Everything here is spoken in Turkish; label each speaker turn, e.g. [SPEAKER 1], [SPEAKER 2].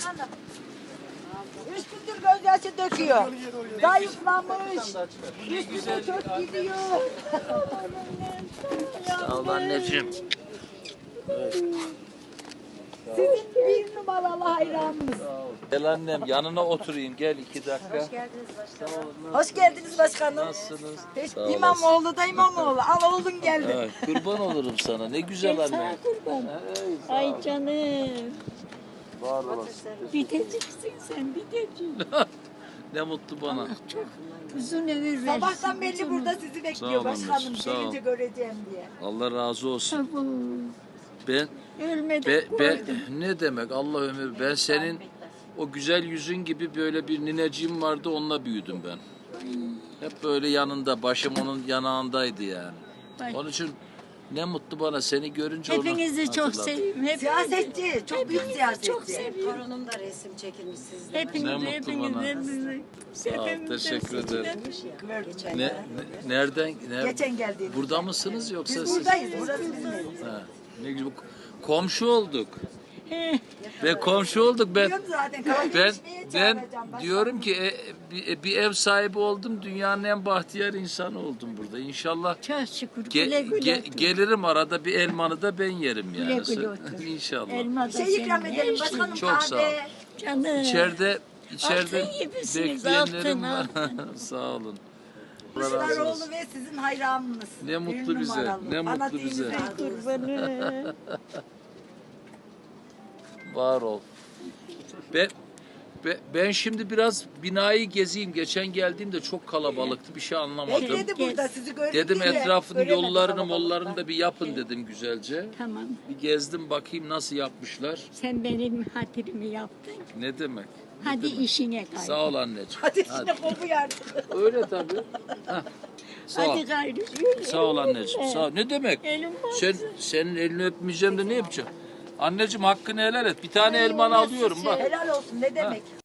[SPEAKER 1] Hanım. 3 gündür gözyaşı döküyor. Zayıflamış. Üstüne çok gidiyor.
[SPEAKER 2] Sağ ol anneciğim.
[SPEAKER 1] Sizin bir numaralı hayranınız.
[SPEAKER 2] Gel annem yanına oturayım gel 2 dakika.
[SPEAKER 1] Hoş geldiniz başkanım.
[SPEAKER 2] Nasılsınız? Sağ olasın.
[SPEAKER 1] İmamoğlu da İmamoğlu. Al oğlun geldi.
[SPEAKER 2] Ay, kurban olurum sana ne güzel anne.
[SPEAKER 3] Ay canım.
[SPEAKER 2] Var olasın.
[SPEAKER 3] Biteceksin sen biteceksin.
[SPEAKER 2] Ne mutlu bana.
[SPEAKER 3] Çok uzun ömür versin.
[SPEAKER 1] Sabahtan belli burada sizi
[SPEAKER 2] Sağ
[SPEAKER 1] bekliyor
[SPEAKER 2] ol
[SPEAKER 1] başkanım.
[SPEAKER 2] anneciğim, sağ ol.
[SPEAKER 1] Gelince göreceğim diye.
[SPEAKER 2] Allah razı olsun.
[SPEAKER 3] Tabii.
[SPEAKER 2] Ben
[SPEAKER 3] Ölmeden koydum.
[SPEAKER 2] ne demek Allah ömür ben senin o güzel yüzün gibi böyle bir nineciğim vardı onunla büyüdüm ben. Hep böyle yanında başım onun yanağındaydı yani.
[SPEAKER 3] Ay.
[SPEAKER 2] Onun için ne mutlu bana seni görünce
[SPEAKER 3] Hepinizi
[SPEAKER 2] onu
[SPEAKER 3] çok
[SPEAKER 2] hatırladım.
[SPEAKER 3] seviyorum. Hepinizi,
[SPEAKER 1] Siyasetçi. Çok büyük
[SPEAKER 3] hepinizi
[SPEAKER 1] siyasetçi.
[SPEAKER 3] çok seviyorum.
[SPEAKER 4] Torunum da resim çekilmiş sizle.
[SPEAKER 2] Ne
[SPEAKER 3] Hepinizi,
[SPEAKER 2] mutlu
[SPEAKER 3] hepinizi,
[SPEAKER 2] bana.
[SPEAKER 3] hepinizi.
[SPEAKER 2] Sağ ol, teşekkür ederim.
[SPEAKER 4] Geçen
[SPEAKER 2] Nereden?
[SPEAKER 1] Geçen geldiğinizde.
[SPEAKER 2] Burada mısınız yoksa
[SPEAKER 1] Biz
[SPEAKER 2] siz?
[SPEAKER 1] buradayız. Burası bizim evimiz.
[SPEAKER 2] Ha, ne güzel. Komşu olduk.
[SPEAKER 3] He,
[SPEAKER 2] Ve komşu olduk.
[SPEAKER 1] Biliyorum zaten. Kahve
[SPEAKER 2] Ben
[SPEAKER 1] içmeye
[SPEAKER 2] ben
[SPEAKER 1] çağıracağım başkanım.
[SPEAKER 2] diyorum ki bir ev sahibi oldum. Dünyanın en bahtiyar insanı oldum burada. İnşallah
[SPEAKER 3] çok şükür. Güle güle otur.
[SPEAKER 2] gelirim arada bir elmanı da ben yerim yani.
[SPEAKER 3] Güle güle otur.
[SPEAKER 2] İnşallah.
[SPEAKER 3] Elma da
[SPEAKER 1] Bir şey ikram
[SPEAKER 3] senin
[SPEAKER 1] edelim
[SPEAKER 3] eşin.
[SPEAKER 1] başkanım.
[SPEAKER 2] Çok sağ ol.
[SPEAKER 1] kahve.
[SPEAKER 3] Canım.
[SPEAKER 2] İçeride
[SPEAKER 3] Altın gibisiniz,
[SPEAKER 2] bekleyenlerim var.
[SPEAKER 3] altın.
[SPEAKER 2] Sağ olun. Allah razı olsun.
[SPEAKER 1] Kılıçdaroğlu ve sizin hayranınız.
[SPEAKER 2] Ne mutlu
[SPEAKER 1] Bir
[SPEAKER 2] bize,
[SPEAKER 1] numaralı.
[SPEAKER 2] ne mutlu
[SPEAKER 1] Fanatiğinize
[SPEAKER 2] bize.
[SPEAKER 3] Kurbanı.
[SPEAKER 2] Var ol. Ben şimdi biraz binayı gezeyim. Geçen geldiğimde çok kalabalıktı. Bir şey anlamadım.
[SPEAKER 1] Bekledi burada sizi gördüm.
[SPEAKER 2] Dedim
[SPEAKER 1] diye.
[SPEAKER 2] etrafın
[SPEAKER 1] Göremedim
[SPEAKER 2] yollarını
[SPEAKER 1] kalabalıktan.
[SPEAKER 2] mollarını da bir yapın dedim güzelce.
[SPEAKER 3] Tamam.
[SPEAKER 2] Bir gezdim bakayım nasıl yapmışlar.
[SPEAKER 3] Sen benim hatırımı yaptın.
[SPEAKER 2] Ne demek?
[SPEAKER 3] Hadi işine kay.
[SPEAKER 2] Sağ ol anneciğim.
[SPEAKER 1] Hadi şimdi kopu yardım.
[SPEAKER 2] Öyle tabii. Heh. Sağ ol.
[SPEAKER 3] Hadi gayrı. Yürü.
[SPEAKER 2] Sağ ol anneciğim. Sağ ol. Ne demek?
[SPEAKER 3] Elim
[SPEAKER 2] Senin elini öpmeyeceğim de ne yapacağım? Anneciğim hakkını helal et. Bir tane elmanı alıyorum bak.
[SPEAKER 1] Helal olsun ne demek.